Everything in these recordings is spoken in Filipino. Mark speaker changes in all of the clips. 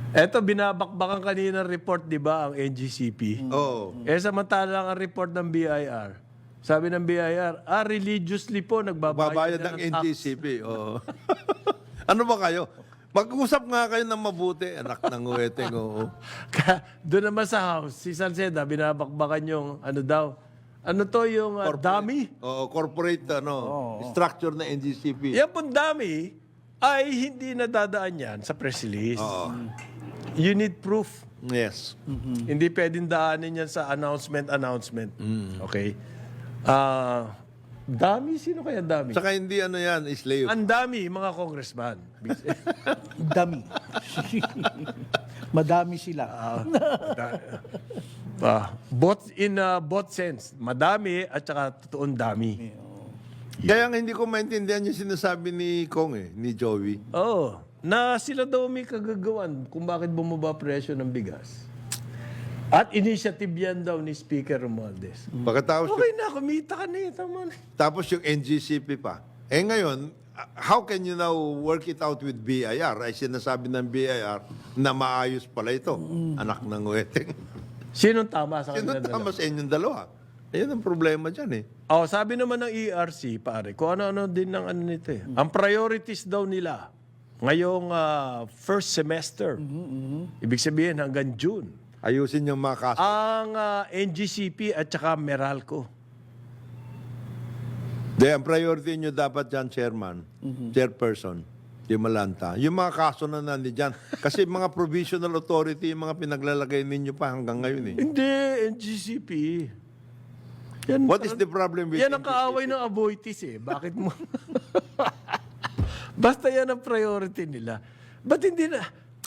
Speaker 1: Eto, binabakbakan kanina report, di ba, ang NGCP.
Speaker 2: Oo.
Speaker 1: Samantalang ang report ng BIR. Sabi ng BIR, religiously po nagbabayad
Speaker 2: Babayad
Speaker 1: na
Speaker 2: ng
Speaker 1: ng tax.
Speaker 2: NGCP. Oo. Ano ba kayo? Mag-usap nga kayo ng mabuti, anak ng uweteng. Oo.
Speaker 1: Doon naman sa house, si Salceda, binabakbakan yung ano daw. Ano to yung dummy?
Speaker 2: Oo, corporate structure na NGCP.
Speaker 1: Yan pong dummy ay hindi nadadaan yan sa press release. You need proof.
Speaker 2: Yes.
Speaker 1: Hindi pwedeng daanin yan sa announcement. Okay? Dami? Sino kaya dami?
Speaker 2: Saka hindi ano yan, slave.
Speaker 1: Ang dami, mga congressman.
Speaker 3: Dami. Madami sila.
Speaker 1: Both sense. Madami at saka totoong dami.
Speaker 2: Kaya nga hindi ko maintindihan yung sinasabi ni Kong ni Joey.
Speaker 1: Oo. Na sila daw may kagagawan kung bakit bumaba presyo ng bigas. At initiative yan daw ni Speaker Romualdez.
Speaker 2: Pagkatapos,
Speaker 1: Okay na, kumita ka na eh. Tama na.
Speaker 2: tapos yung NGCP pa. Ngayon, how can you now work it out with BIR? Ay sinasabi ng BIR na maayos pala ito, anak ng uweteng.
Speaker 1: Sinong tama sa
Speaker 2: Sino
Speaker 1: kanila
Speaker 2: tama sa inyong dalawa? Ayun ang problema dyan
Speaker 1: sabi naman ng ERC, pare, kung ano-ano din ng ano nito eh. Ang priorities daw nila ngayong first semester, ibig sabihin hanggang June,
Speaker 2: Ayusin yung mga kaso.
Speaker 1: ang NGCP at saka Meralco.
Speaker 2: Ang priority nyo dapat dyan, Chairman, Chairperson, yung Malanta. Yung mga kaso na nandiyan. Kasi mga provisional authority, yung mga pinaglalagay ninyo pa hanggang ngayon
Speaker 1: Hindi, NGCP. Yan,
Speaker 2: What is the problem with
Speaker 1: yan ang kaaway ng Aboitiz eh. Bakit mo? Basta yan ang priority nila. Ba't hindi na?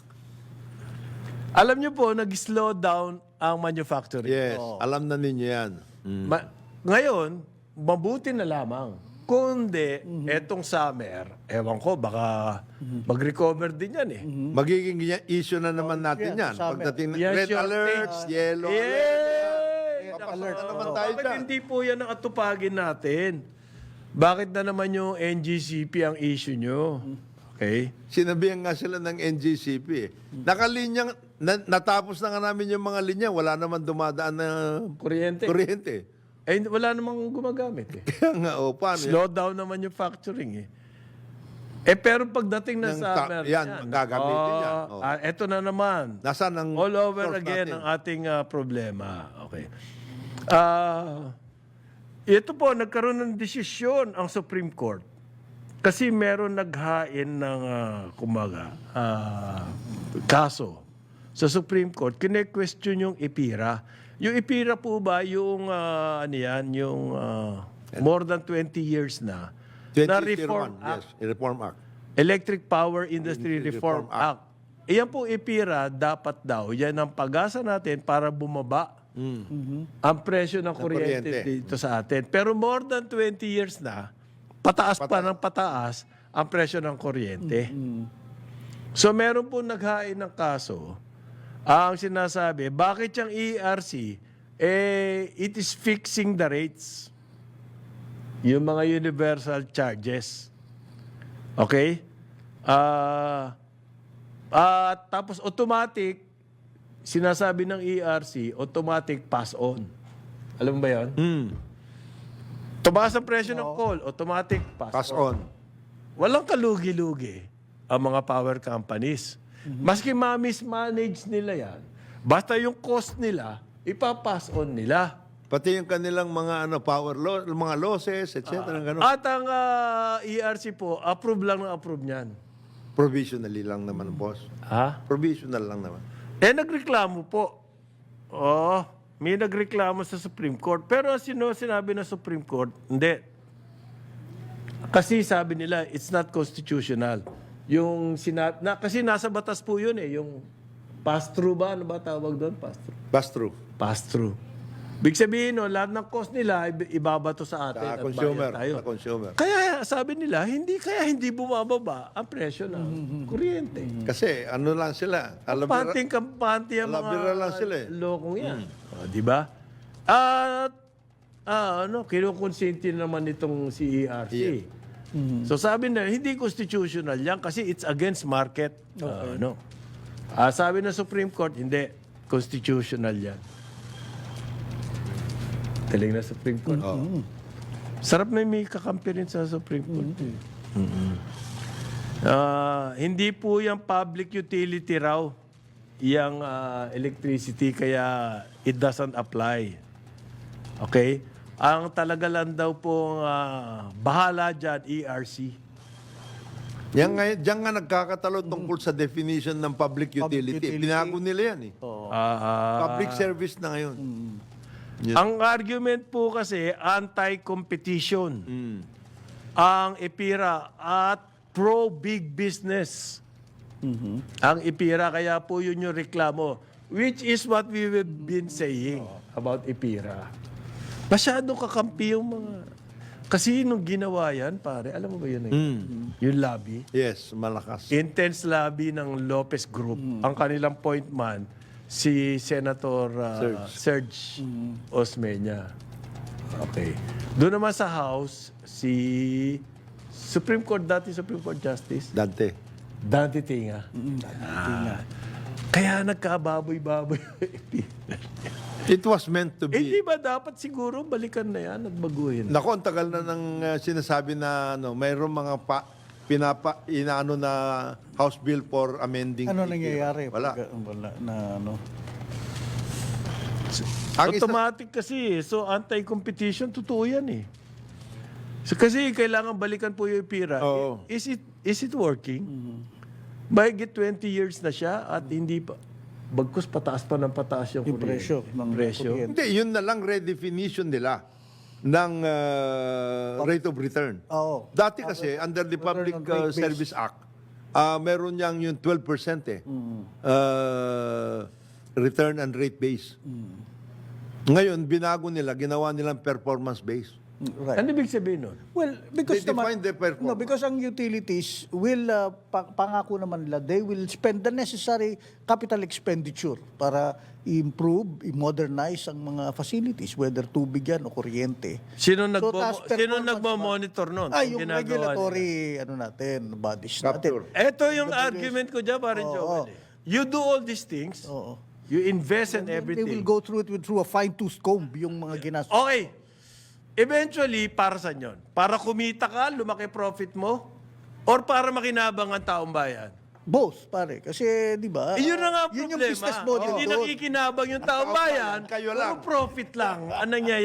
Speaker 1: Alam niyo po, nag-slow down ang manufacturing.
Speaker 2: Yes, alam na ninyo yan.
Speaker 1: Ngayon, mabuti na lamang. Kundi, etong summer, ewan ko, baka mag-recover din yan eh.
Speaker 2: Magiging issue na naman natin yan.
Speaker 3: summer.
Speaker 2: Pagdating ng
Speaker 1: Yes,
Speaker 2: red
Speaker 1: your
Speaker 2: alerts, yellow alerts.
Speaker 1: Yay!
Speaker 2: Papasok na naman
Speaker 1: Nako,
Speaker 2: tayo
Speaker 1: bakit
Speaker 2: dyan.
Speaker 1: hindi po yan ang atupagin natin? Bakit na naman yung NGCP ang issue nyo? Okay?
Speaker 2: Sinabihan nga sila ng NGCP. Nakalinyang, natapos na nga namin yung mga linya. Wala naman dumadaan na
Speaker 1: Kuryente.
Speaker 2: kuryente.
Speaker 1: Wala namang gumagamit eh.
Speaker 2: Kaya nga, paano yan?
Speaker 1: Slow down naman yung manufacturing eh. Pero pagdating na
Speaker 2: Ng
Speaker 1: summer,
Speaker 2: yan, gagamitin yan.
Speaker 1: Eto na naman.
Speaker 2: Nasaan ang
Speaker 1: All over
Speaker 2: source
Speaker 1: again
Speaker 2: natin?
Speaker 1: ang ating problema. Okay. Ito po, nagkaroon ng desisyon ang Supreme Court. Kasi meron naghain ng kaso sa Supreme Court. Kine-question yung IPIRA. Yung IPIRA po ba, yung yung more than 20 years na
Speaker 2: 2001,
Speaker 1: Reform Act.
Speaker 2: yes, Reform Act.
Speaker 1: Electric Power Industry Reform Act. Iyan po IPIRA, dapat daw, yan ang pag-asa natin para bumaba ang presyo ng kuryente dito sa atin. Pero more than 20 years na, pataas pa ng pataas ang presyo ng kuryente. So meron po naghain ng kaso, ang sinasabi, bakit yung ERC, it is fixing the rates. Yung mga universal charges. Okay? Tapos automatic, sinasabi ng ERC, automatic pass on. Alam mo ba yan? Tumaas ang presyo ng coal, automatic
Speaker 2: Pass on.
Speaker 1: Walang kalugi-lugi ang mga power companies. Maski ma-mismanage nila yan, basta yung cost nila, ipapass on nila.
Speaker 2: Pati yung kanilang mga power loss, mga losses, etc. Ganun.
Speaker 1: At ang ERC po, approve lang ng approve niyan.
Speaker 2: Provisionally lang naman, boss.
Speaker 1: Ha?
Speaker 2: Provisional lang naman.
Speaker 1: Nagreklamo po. May nagreklamo sa Supreme Court. Pero sinabi ng Supreme Court, hindi. Kasi sabi nila, it's not constitutional. Kasi nasa batas po yun eh. Yung pass-through ba? Ano ba tawag doon? Pass-through.
Speaker 2: Pass-through.
Speaker 1: Pass-through. Big sabihin, lahat ng cost nila, ibabato sa atin.
Speaker 2: Sa
Speaker 1: at
Speaker 2: consumer.
Speaker 1: bayad tayo.
Speaker 2: Sa consumer.
Speaker 1: Kaya sabi nila, hindi bumababa ang presyo ng kuryente.
Speaker 2: Kasi ano lang sila.
Speaker 1: Kampante ang
Speaker 2: alabira lang sila eh.
Speaker 1: lokong yan. Di ba? At kinukonsinti naman itong si ERC. So sabi na, hindi constitutional yan kasi it's against market. Sabi ng Supreme Court, hindi. Constitutional yan. Taling na Supreme Court. Sarap na may kakampi rin sa Supreme Court. Hindi po yung public utility raw, yung electricity, kaya it doesn't apply. Okay? Ang talaga lang daw pong bahala dyan, ERC.
Speaker 2: Diyan nga nagkakatalo tungkol sa definition ng public utility. Binago nila yan eh. Public service na ngayon.
Speaker 1: Ang argument po kasi, anti-competition. Ang EPIRA at pro-big business. Ang EPIRA, kaya po yun yung reklamo. Which is what we have been saying about EPIRA. Masyado kakampi yung mga... Kasi nung ginawa yan, pare, alam mo ba yun? Yung lobby.
Speaker 2: Yes, malakas.
Speaker 1: Intense lobby ng Lopez Group. Ang kanilang point man, si Senator Serge Osmeña. Okay. Doon naman sa House, si Supreme Court, dati Supreme Court Justice,
Speaker 2: Dante.
Speaker 1: Dante Tinga. Kaya nagkababoy-baboy.
Speaker 2: It was meant to be.
Speaker 1: Hindi ba dapat siguro balikan na yan at baguhin?
Speaker 2: Nako, ang tagal na ng sinasabi na mayroong mga inaano na House Bill for amending.
Speaker 3: Ano
Speaker 2: EPIRA.
Speaker 3: nangyayari?
Speaker 2: Wala.
Speaker 3: Wala na ano.
Speaker 1: Automatic kasi. So, anti-competition, totoo yan eh. So, kasi kailangan balikan po yung EPIRA.
Speaker 2: Oo.
Speaker 1: Is it working? Mahigit 20 years na siya at hindi pa. Bagkus pataas pa ng pataas yung
Speaker 3: presyo ng
Speaker 1: presyo.
Speaker 3: kuryente.
Speaker 2: Hindi, yun na lang redefinition nila ng rate of return.
Speaker 3: Oo.
Speaker 2: Dati kasi, under the Public
Speaker 3: on rate base.
Speaker 2: Service Act, meron niyang yung 12% return and rate base. Ngayon, binago nila, ginawa nilang performance base.
Speaker 3: Right.
Speaker 1: Ano ibig sabihin nun?
Speaker 3: Well, because
Speaker 2: They define the performance.
Speaker 3: No, because ang utilities will pangako naman nila, they will spend the necessary capital expenditure para i-improve, i-modernize ang mga facilities, whether tubig yan o kuryente.
Speaker 1: Sino
Speaker 3: task performance
Speaker 1: nagmo-monitor nun?
Speaker 3: Yung
Speaker 1: Ginagawa
Speaker 3: regulatory natin, bodies
Speaker 2: Capture.
Speaker 3: natin.
Speaker 1: Ito yung argument ko dyan, parang Joel. You do all these things,
Speaker 3: Oo.
Speaker 1: you invest in
Speaker 3: They
Speaker 1: everything.
Speaker 3: will go through it through a fine-tooth comb, yung mga ginastos.
Speaker 1: Okay. Eventually, para saan yun? Para kumita ka, lumaki profit mo? Or para makinabang ang taong bayan?
Speaker 3: Both, pare. Kasi, di ba?
Speaker 1: Yun na nga
Speaker 3: Yun
Speaker 1: problema.
Speaker 3: yung business model
Speaker 1: Hindi
Speaker 3: doon.
Speaker 1: nakikinabang yung taong bayan,
Speaker 2: kayo
Speaker 1: puro
Speaker 2: lang.
Speaker 1: profit lang ang nangyayari.